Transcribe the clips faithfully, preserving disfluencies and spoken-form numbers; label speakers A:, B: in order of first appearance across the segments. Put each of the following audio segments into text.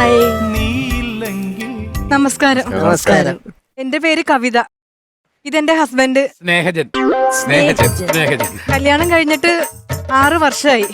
A: നമസ്കാരം.
B: നമസ്കാരം.
A: എന്റെ പേര് കവിത. ഇതെന്റെ ഹസ്ബൻഡ്
C: സ്നേഹജൻ. സ്നേഹജൻ സ്നേഹജൻ
A: കല്യാണം കഴിഞ്ഞിട്ട് ആറ് വർഷമായി.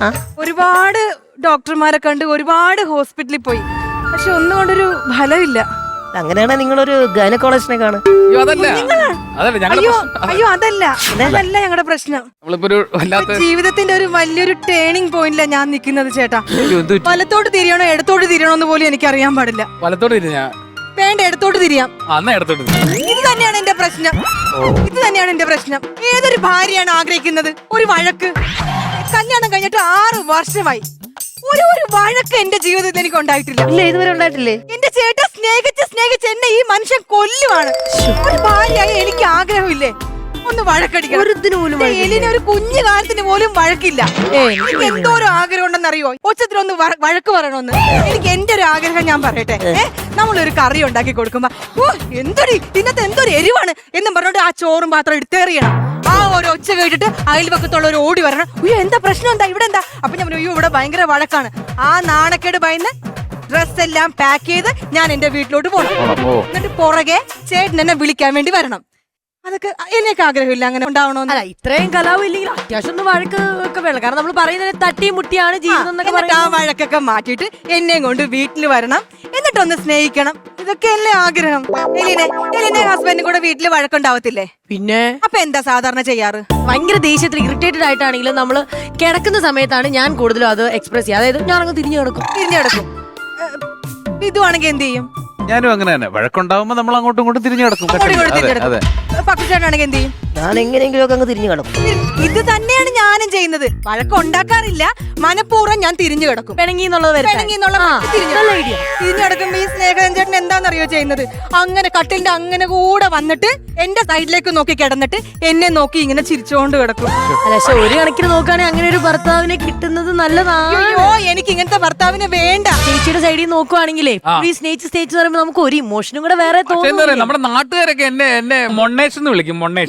A: ഒരുപാട് ഡോക്ടർമാരെ കണ്ട് ഒരുപാട് ഹോസ്പിറ്റലിൽ പോയി, പക്ഷെ ഒന്നും കൊണ്ടൊരു ഫലമില്ല.
B: അങ്ങനെയാണെ നിങ്ങളൊരു ഗൈനക്കോളജിനെ കാണും.
C: അയ്യോ അതല്ല അതല്ല ഞങ്ങളുടെ
A: അയ്യോ
C: പ്രശ്നം.
A: അയ്യോ അതല്ല അതല്ല ഞങ്ങളുടെ പ്രശ്നം.
C: നമ്മളിപ്പോ ഒരു വല്ലാത്ത
A: ജീവിതത്തിന്റെ ഒരു വലിയൊരു ടേണിംഗ് പോയിന്റിലാണ് ഞാൻ നിൽക്കുന്നത് ചേട്ടാ.
C: അയ്യോ, എന്ത് പറ്റി?
A: വലത്തോട്ട് തിരിയണോ ഇടത്തോട്ട് തിരിയണോ എന്ന് പോലും എനിക്ക് അറിയാൻ പാടില്ല.
C: വലത്തോട്ട് തിരിഞ്ഞാ
A: വേണ്ട, ഇടത്തോട്ട് തിരിയാം.
C: അന്നാ ഇടത്തോട്ട് തിരിഞ്ഞു.
A: ഇത് തന്നെയാണ് എന്റെ പ്രശ്നം. ഇത് തന്നെയാണ് എന്റെ പ്രശ്നം. ഏതൊരു ഭാര്യയാണ് ആഗ്രഹിക്കുന്നത് ഒരു വഴക്ക്? കല്യാണം കഴിഞ്ഞിട്ട് ആറ് വർഷമായി, ഒരു ഒരു വഴക്ക് എന്റെ ജീവിതത്തിൽ എനിക്ക് ഉണ്ടായിട്ടില്ല.
B: ഇല്ല, ഇതുവരെ ഉണ്ടായിട്ടില്ലേ?
A: എന്റെ ചേട്ടൻ സ്നേഹിച്ച് സ്നേഹിച്ച് എന്നെ ഈ മനുഷ്യൻ കൊല്ലുവാണ്. ഒരു ഭാര്യയായി എനിക്ക് ആഗ്രഹമില്ലേ ഒന്ന് വഴക്കടിക്കണം? എലിന് ഒരു കുഞ്ഞു കാലത്തിന് പോലും വഴക്കില്ല. എനിക്ക് എന്തോരം ആഗ്രഹം ഉണ്ടെന്നറിയോ? ഒച്ചത്തിലൊന്ന് വഴക്ക് പറയണമെന്ന്. എനിക്ക് എന്റെ ഒരു ആഗ്രഹം ഞാൻ പറയട്ടെ. ഏഹ് നമ്മളൊരു കറി ഉണ്ടാക്കി കൊടുക്കുമ്പോ ഓ എന്തൊരു ഇന്നത്തെ എന്തൊരു എരിവാണ് എന്നും പറഞ്ഞോണ്ട് ആ ചോറും പാത്രം എടുത്തേറിയണം. ആ ഒരു ഒച്ച കേട്ടിട്ട് അയൽപക്കത്തുള്ള ഒരു ഓടി വരണം. അയ്യോ എന്താ പ്രശ്നം, എന്താ ഇവിടെ എന്താ? അപ്പൊ ഞാൻ അയ്യോ ഇവിടെ ഭയങ്കര വഴക്കാണ്. ആ നാണക്കേട് ഭയന്ന് ഡ്രസ് എല്ലാം പാക്ക് ചെയ്ത് ഞാൻ എന്റെ വീട്ടിലോട്ട് പോകണം. എന്നിട്ട് പുറകെ ചേട്ടൻ എന്നെ വിളിക്കാൻ വേണ്ടി വരണം. അതൊക്കെ എനിക്ക് ആഗ്രഹമില്ല അങ്ങനെ ഉണ്ടാവണോന്ന്.
D: ഇത്രയും കലാവും ഇല്ലെങ്കിൽ അത്യാവശ്യം ഒന്ന് വഴക്ക് ഒക്കെ വേണം. കാരണം നമ്മൾ പറയുന്നത് തട്ടിയും മുട്ടിയാണ് ജീവിതം എന്നൊക്കെ.
A: ആ വഴക്കൊക്കെ മാറ്റിയിട്ട് എന്നെയും കൊണ്ട് വീട്ടിൽ വരണം, എന്നിട്ടൊന്ന് സ്നേഹിക്കണം. ഇതൊക്കെയല്ലേ ആഗ്രഹം. എലിനെ എലിനെ ഹസ്ബൻഡും കൂടെ വീട്ടിൽ വഴക്കുണ്ടാവത്തില്ലേ?
D: പിന്നെ
A: അപ്പൊ എന്താ സാധാരണ ചെയ്യാറ്?
D: ഭയങ്കര ദേഷ്യത്തിൽ ഇറിറ്റേറ്റഡ് ആയിട്ടാണെങ്കിലും നമ്മള് കിടക്കുന്ന സമയത്താണ് ഞാൻ കൂടുതലും അത് എക്സ്പ്രസ് ചെയ്യുക. അതായത് ഞാൻ അങ്ങ് തിരിഞ്ഞു കിടക്കും.
A: തിരിഞ്ഞു കിടക്കും. ഇതുവാണെങ്കിൽ എന്ത് ചെയ്യും?
C: ഞാനും അങ്ങനെ തന്നെ. വഴക്കുണ്ടാവുമ്പോ നമ്മൾ അങ്ങോട്ടും ഇങ്ങോട്ടും തിരിഞ്ഞു കിടക്കും.
A: പക്കുചേട്ടനാണെങ്കിൽ എന്ത് ചെയ്യും?
B: ഞാൻ എങ്ങനെയെങ്കിലും ഒക്കെ അങ്ങ് തിരിഞ്ഞു കിടക്കും.
A: ഇത് തന്നെയാണ് ഞാനും ചെയ്യുന്നത്. വഴക്കുണ്ടാക്കാറില്ല, മനഃപൂർവ്വം ഞാൻ തിരിഞ്ഞു കിടക്കും.
D: പിണങ്ങി എന്നുള്ളത്
A: പിണങ്ങി എന്നുള്ള തിരിഞ്ഞു കിടക്കുമ്പോ ഈ സ്നേഹൻ ചേട്ടൻ എന്താണെന്നറിയോ ചെയ്യുന്നത്? അങ്ങനെ കട്ടിലിന്റെ അങ്ങനെ കൂടെ വന്നിട്ട് എന്റെ സൈഡിലേക്ക് നോക്കി കിടന്നിട്ട് എന്നെ നോക്കി ഇങ്ങനെ ചിരിച്ചോണ്ട് കിടക്കും.
D: പക്ഷെ ഒരു കണക്കിന് നോക്കുകയാണെങ്കിൽ അങ്ങനെ ഒരു ഭർത്താവിനെ കിട്ടുന്നത് നല്ലതാണ്.
A: അയ്യോ എനിക്ക് ഇങ്ങനത്തെ ഭർത്താവിനെ വേണ്ട.
D: ചേച്ചിയുടെ സൈഡിൽ നോക്കുവാണെങ്കിലേ ഈ സ്നേഹിച്ച് സ്നേഹിച്ച് പറയുമ്പോൾ നമുക്ക് ഒരു ഇമോഷനും കൂടെ വേറെ തോന്നും.
C: നമ്മുടെ നാട്ടുകാരൊക്കെ എന്നെ എന്നെ മൊണ്ണേഷ് എന്ന് വിളിക്കും. മൊണ്ണേഷ്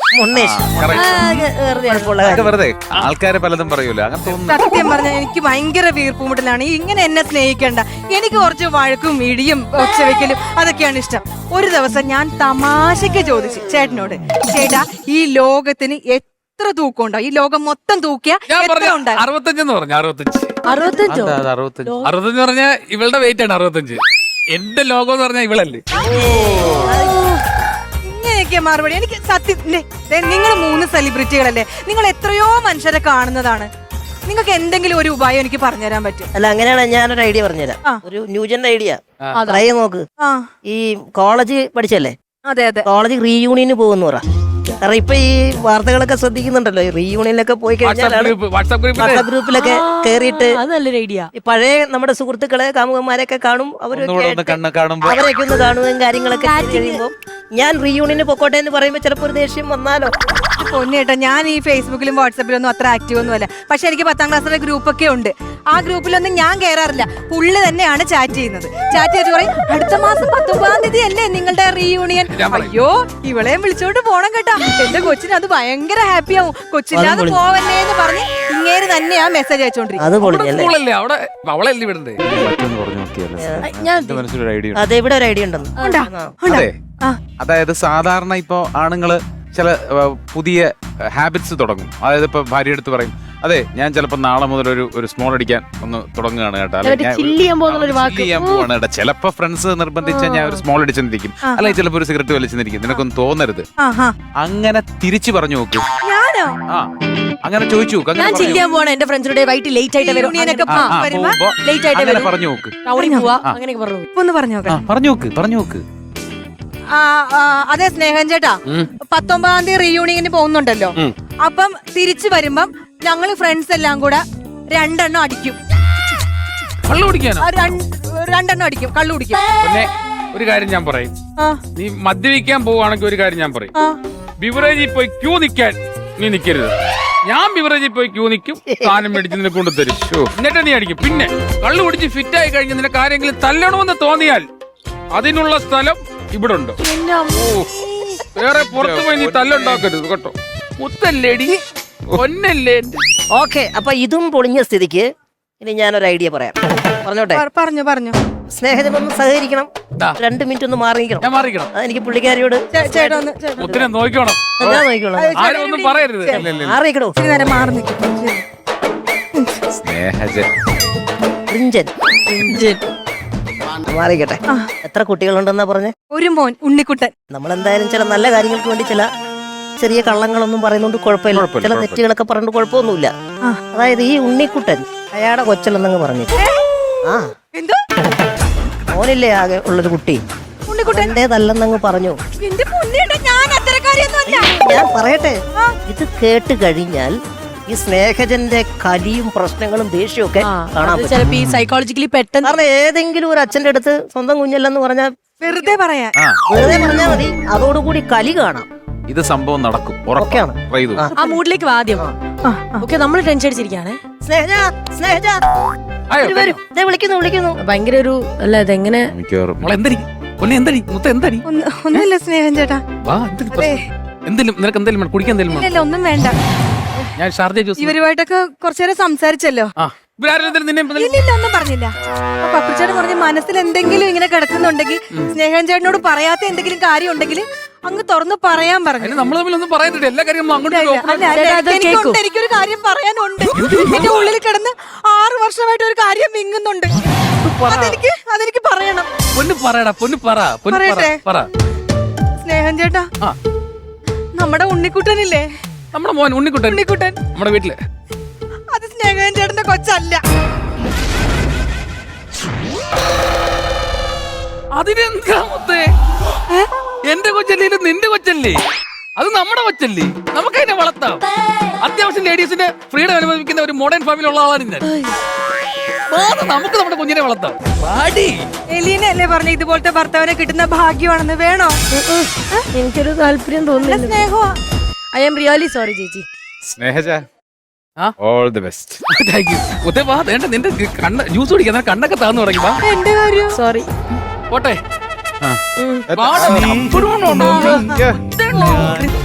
C: വെറുതെ ആൾക്കാരെ പലതും പറയൂല. അങ്ങനെ
A: സത്യം പറഞ്ഞാൽ എനിക്ക് ഭയങ്കര വീർപ്പുമുട്ടലാണ്. ഇങ്ങനെ എന്നെ സ്നേഹിക്കണ്ട. എനിക്ക് കുറച്ച് വഴക്കും ഇടിയും ഒച്ചവെക്കലും അതൊക്കെയാണ് ഇഷ്ടം. ഒരു ദിവസം ഞാൻ തമാശക്ക് ചോദിച്ചു ചേട്ടനോട്, ചേട്ടാ ഈ ലോകത്തിന് എത്ര തൂക്കം ഉണ്ടാവും? ഈ ലോകം മൊത്തം തൂക്കിയ
C: അറുപത്തഞ്ചെന്ന് പറഞ്ഞു. അറുപത്തഞ്ച്
D: അറുപത്തഞ്ചോ
C: അറുപത്തഞ്ച് അറുപത്തഞ്ച് പറഞ്ഞാൽ ഇവളുടെ വെയിറ്റ് ആണ് അറുപത്തഞ്ച്. എന്റെ ലോകം എന്ന് പറഞ്ഞാൽ ഇവളല്ലേ.
A: ഇങ്ങനെയൊക്കെ മറുപടി. എനിക്ക് സത്യം, നിങ്ങൾ മൂന്ന് സെലിബ്രിറ്റികളല്ലേ, നിങ്ങൾ എത്രയോ മനുഷ്യരെ കാണുന്നതാണ്. നിങ്ങൾക്ക് എന്തെങ്കിലും ഒരു ഉപായം എനിക്ക് പറഞ്ഞുതരാൻ പറ്റും?
B: അല്ല, അങ്ങനെയാണ് ഞാനൊരു ഐഡിയ പറഞ്ഞുതരാം. ഒരു ന്യൂജൻ ഐഡിയ ട്രൈ നോക്ക്. ഈ കോളേജ് പഠിച്ചല്ലേ?
A: അതെ അതെ.
B: കോളേജ് റീയൂണിയന് പോകുന്നു പറ. കാരണം ഇപ്പൊ ഈ വാർത്തകളൊക്കെ ശ്രദ്ധിക്കുന്നുണ്ടല്ലോ, റീയൂണിയനൊക്കെ പോയി കഴിഞ്ഞാൽ വാട്സാപ്പ് ഗ്രൂപ്പിലൊക്കെ കേറിയിട്ട്
D: നല്ലൊരു ഐഡിയ.
B: പഴയ നമ്മുടെ സുഹൃത്തുക്കളെ കാമുകന്മാരെയൊക്കെ കാണും. അവരൊക്കെ അവരൊക്കെ ഒന്ന് കാണുകയും കാര്യങ്ങളൊക്കെ കഴിയുമ്പോൾ ഞാൻ റീയൂണിയന് പൊക്കോട്ടെ എന്ന് പറയുമ്പോ ചിലപ്പോ ഒരു ദേഷ്യം വന്നാലോ.
A: പൊന്നേട്ടാ, ഞാൻ ഈ ഫേസ്ബുക്കിലും വാട്സാപ്പിലും ഒന്നും അത്ര ആക്റ്റീവ് ഒന്നും അല്ല. പക്ഷെ എനിക്ക് പത്താം ക്ലാസ്സിലെ ഗ്രൂപ്പൊക്കെ ഉണ്ട്. ആ ഗ്രൂപ്പിലൊന്നും ഞാൻ കയറാറില്ല. പുള്ളി തന്നെയാണ് ചാറ്റ് ചെയ്യുന്നത്. ചാറ്റ് ചെയ്ത് പറയും അടുത്ത മാസം പത്തൊമ്പതാം തീയതി അല്ലേ നിങ്ങളുടെ റീയൂണിയൻ. അയ്യോ ഇവളെയും വിളിച്ചോണ്ട് പോണം കേട്ടാ, എന്റെ കൊച്ചിന് അത് ഭയങ്കര ഹാപ്പി ആവും. കൊച്ചില്ലാതെ പോവല്ലേ എന്ന് പറഞ്ഞ് ഇങ്ങേര് തന്നെയാ മെസ്സേജ് അയച്ചോണ്ടിരിക്കും.
B: അതെ, ഇവിടെ ഒരു ഐഡിയ ഉണ്ടെന്ന്.
C: അതായത് സാധാരണ ഇപ്പൊ ആണുങ്ങള് ചില പുതിയ ഹാബിറ്റ്സ് തുടങ്ങും. അതായത് ഇപ്പൊ ഭാര്യ എടുത്ത് പറയും, അതെ ഞാൻ ചിലപ്പോ നാളെ മുതൽ ഒരു ഒരു സ്മോൾ അടിക്കാൻ ഒന്ന് തുടങ്ങുകയാണ് കേട്ടോ, ചെയ്യാൻ പോവാണ് കേട്ടോ. ചിലപ്പോ ഫ്രണ്ട്സ് നിർബന്ധിച്ചാൽ ഞാൻ ഒരു സ്മോൾ അടിച്ചെന്നിരിക്കും, അല്ലെങ്കിൽ ചിലപ്പോ ഒരു സിഗരറ്റ് വലിച്ചെന്നിരിക്കും. നിനക്കൊന്നും തോന്നരുത്. അങ്ങനെ തിരിച്ചു പറഞ്ഞു നോക്ക്. ആ അങ്ങനെ ചോദിച്ചു നോക്ക്. അങ്ങനെ പറഞ്ഞു നോക്ക്. പറഞ്ഞു നോക്ക് പറഞ്ഞു നോക്ക്
A: അതെ സ്നേഹൻ ചേട്ടാ, പത്തൊമ്പതാം തീയതി റീയൂണിയന് പോകുന്നുണ്ടല്ലോ. അപ്പം തിരിച്ചു വരുമ്പം ഞങ്ങള് ഫ്രണ്ട്സ് എല്ലാം കൂടെ രണ്ടെണ്ണം അടിക്കും.
C: കള്ളു കുടിക്കാനോ?
A: രണ്ടെണ്ണം അടിക്കും, കള്ളു കുടിക്കും.
C: പിന്നെ ഒരു കാര്യം ഞാൻ പറയും, നീ മദ്യപിക്കാൻ പോവാണെങ്കിൽ ഒരു കാര്യം ഞാൻ പറയും, ബിവറേജിൽ പോയി ക്യൂ നിൽക്കാൻ നീ നിൽക്കരുത്. ഞാൻ ബിവറേജിൽ പോയി ക്യൂ നിൽക്കും, സാധനം മേടിച്ച് നിന്നെ കൊണ്ടുതരും, എന്നിട്ട് നീ അടിക്കും. പിന്നെ കള്ളു കുടിച്ച് ഫിറ്റ് ആയി കഴിഞ്ഞ് നിനക്ക് ആരെങ്കിലും തല്ലണമെന്ന് തോന്നിയാൽ അതിനുള്ള സ്ഥലം ഇവിടെ ഉണ്ട്. വേറെ പുറത്തു പോയി നീ തല്ലുണ്ടാക്കരുത് കേട്ടോ. മുത്തല്ലേടി ഒന്നല്ലേ.
B: ഓക്കെ, അപ്പൊ ഇതും പൊളിഞ്ഞ സ്ഥിതിക്ക് ഇനി ഞാനൊരു ഐഡിയ പറയാം. പറഞ്ഞോട്ടെ?
A: പറഞ്ഞു പറഞ്ഞു
B: സ്നേഹത്തിനൊന്ന് സഹകരിക്കണം.
C: ദാ.
B: രണ്ട് മിനിറ്റ് ഒന്ന് മാറിയിരിക്കണം.
C: ഞാൻ മാറിക്കണം.
B: അതെനിക്ക് പുള്ളിക്കാരിയോട്
A: ചേ- ചേട്ടാ ഒന്ന് ചേട്ടാ
C: മുത്തിനെ നോക്കണം.
B: ഞാൻ നോക്കിക്കോളാം.
C: ആരും ഒന്നും പറയരുത്. ഇല്ല, ഇല്ല, ഇല്ല.
B: മാറിയിക്കണോ?
A: ഇച്ചിരി നേരം മാറി നിൽക്കും.
C: സ്നേഹജൻ.
B: റിഞ്ചൻ മാറിക്കട്ടെ. എത്ര കുട്ടികളുണ്ടെന്നാ പറഞ്ഞേ?
A: ഒരു മോൻ ഉണ്ണിക്കുട്ടൻ.
B: നമ്മളെന്തായാലും ചില നല്ല കാര്യങ്ങൾക്ക് വേണ്ടി ചില ചെറിയ കള്ളങ്ങളൊന്നും പറയുന്നോണ്ട് കുഴപ്പമില്ല.
C: കുഴപ്പമില്ല,
B: ചില
C: കുഴപ്പമില്ല.
B: തെറ്റുകളൊക്കെ പറഞ്ഞിട്ട് കുഴപ്പമൊന്നുമില്ല.
A: ആ.
B: അതായത് ഈ ഉണ്ണിക്കുട്ടൻ അയാളുടെ കൊച്ചലെന്നങ്ങ് പറഞ്ഞു. ആ
A: എന്തോ
B: മോനില്ലേ ആകെ ഉള്ളൊരു കുട്ടി
A: ഉണ്ണിക്കുട്ടൻ
B: എന്റേതല്ലെന്നങ്ങ് പറഞ്ഞു.
A: എന്റെ പൊന്നേട്ടാ, ഞാൻ അത്തരക്കാരിയൊന്നും അല്ല.
B: ഞാൻ പറയട്ടെ,
A: ആ.
B: ഇത് കേട്ട് കഴിഞ്ഞാൽ ഈ സ്നേഹജന്റെ കലിയും പ്രശ്നങ്ങളും ദേഷ്യവും ഒക്കെ കാണാൻ പറ്റും.
D: ചിലപ്പോ ഈ സൈക്കോളജിക്കലി പെട്ടെന്ന്
B: കാരണം ഏതെങ്കിലും ഒരു അച്ഛന്റെ അടുത്ത് സ്വന്തം കുഞ്ഞല്ലെന്ന് പറഞ്ഞാൽ
A: വെറുതെ പറയാൻ.
C: ആ,
B: വെറുതെ പറഞ്ഞാൽ മതി, അതോടുകൂടി കലി കാണാം.
C: ഇത് സംഭവം നടക്കും.
B: ഒക്കെയാണ്.
C: Try ചെയ്തു.
D: ആ മൂഡിലേക്ക് വാ ആദ്യം.
A: ആ, ആ.
D: ഓക്കെ, നമ്മൾ ടെൻഷൻ അടിച്ചിരിക്കുകയാണേ.
B: സ്നേഹജ സ്നേഹജ
C: ആയോ?
B: വരൂ, വരൂ. ദേ വിളിക്കുന്നു വിളിക്കുന്നു.
D: ഭയങ്കര ഒരു അല്ല ഇതെങ്ങനെ
C: മിക്കവാറും. മോളെ എന്തടി? പൊന്നെ എന്തടി? മുത്ത എന്തടി?
A: ഒന്ന്- ഒന്നുമില്ല സ്നേഹം ചേട്ടാ.
C: വാ, എന്തെടി പ്രശ്നം? എന്തേലും നിനക്ക് എന്തേലും വേണം? കുടിക്കാൻ എന്തേലും വേണം?
A: ഇല്ല ഒന്നും വേണ്ട.
C: ഞാൻ ഷാർജ ജ്യൂസ്.
A: ഇവരുമായിട്ടൊക്കെ കുറച്ചേരം സംസാരിച്ചല്ലോ.
C: ആ, ഇവരാരും എന്തേലും നിന്നെ എന്തേലും-
A: ഇല്ലില്ല ഒന്നും പറഞ്ഞില്ല. അപ്പൊ പപ്പിച്ചേട്ടൻ പറഞ്ഞ മനസ്സിൽ എന്തെങ്കിലും ഇങ്ങനെ കിടക്കുന്നുണ്ടെങ്കിൽ സ്നേഹൻ ചേട്ടനോട് പറയാത്ത എന്തെങ്കിലും കാര്യം ഉണ്ടെങ്കിൽ അങ്ങ് തുറന്ന് പറയാൻ പറഞ്ഞു.
C: അതിന് നമ്മൾ തമ്മിൽ ഒന്നും പറയുന്നില്ല. എല്ലാ കാര്യവും നമ്മൾ അങ്ങോട്ട്
A: അല്ല,
C: open
A: അല്ല,
C: ആക്കി.
A: അല്ല,
D: ചേട്ടാ, അത്
A: എനിക്കുണ്ട്,
D: കേക്കൂ.
A: എനിക്കൊരു കാര്യം പറയാനുണ്ട്. എന്റെ ഉള്ളിൽ കിടന്ന് ആറ് വർഷമായിട്ട് ഒരു കാര്യം വിങ്ങുന്നുണ്ട്. അതെനിക്ക് അതെനിക്ക് പറയണം.
C: പൊന്ന് പറയടാ, പൊന്ന് പറ, പൊന്ന് പറ,
A: പറയട്ടെ?
C: പറ.
A: സ്നേഹൻ ചേട്ടാ,
C: ആ,
A: നമ്മുടെ ഉണ്ണിക്കുട്ടനില്ലേ,
C: നമ്മുടെ മോൻ ഉണ്ണിക്കുട്ടൻ
A: ഉണ്ണിക്കുട്ടൻ
C: നമ്മുടെ വീട്ടില്.
A: അത് സ്നേഹൻ ചേട്ടന്റെ കൊച്ചല്ല.
C: അതിനെന്താ മുത്തേ? എന്റെ കൊച്ചല്ലേ ഇത്? നിന്റെ കൊച്ചല്ലേ? അത് നമ്മുടെ കൊച്ചല്ലേ? നമുക്ക് അതിനെ വളർത്താം. അത്യാവശ്യം ലേഡീസിന്റെ ഫ്രീഡം അനുഭവിക്കുന്ന ഒരു മോഡേൺ ഫാമിലി ഉള്ള ആളാണ് ഞാൻ. വാ, നമുക്ക് നമ്മുടെ കുഞ്ഞിനെ വളർത്താം. പാടി.
A: എലീന അല്ലേ പറഞ്ഞ ഇതുപോലത്തെ ഭർത്താവിനെ കിട്ടുന്ന ഭാഗ്യമാണെന്ന്? വേണോ?
D: എനിക്കൊരു താല്പര്യം
A: നല്ല
D: തോന്നുന്നില്ല.
A: സ്നേഹമാ.
D: ഐ എം റിയലി സോറി ചേച്ചി.
C: സ്നേഹജ,
E: ആ all the best.
C: Thank you. മുത്തേ വാ, വേണ്ട നിന്റെ കണ്ണ ജ്യൂസ് കുടിക്കാൻ കണ്ണൊക്കെ താന്നു തുടങ്ങി. വാ,
A: എന്റെ കാര്യം
D: സോറി.
C: പോട്ടെ.
E: ആ.
C: വാടാ, നീ അപ്പുറം കൊണ്ടുണ്ടോ?
E: Yeah.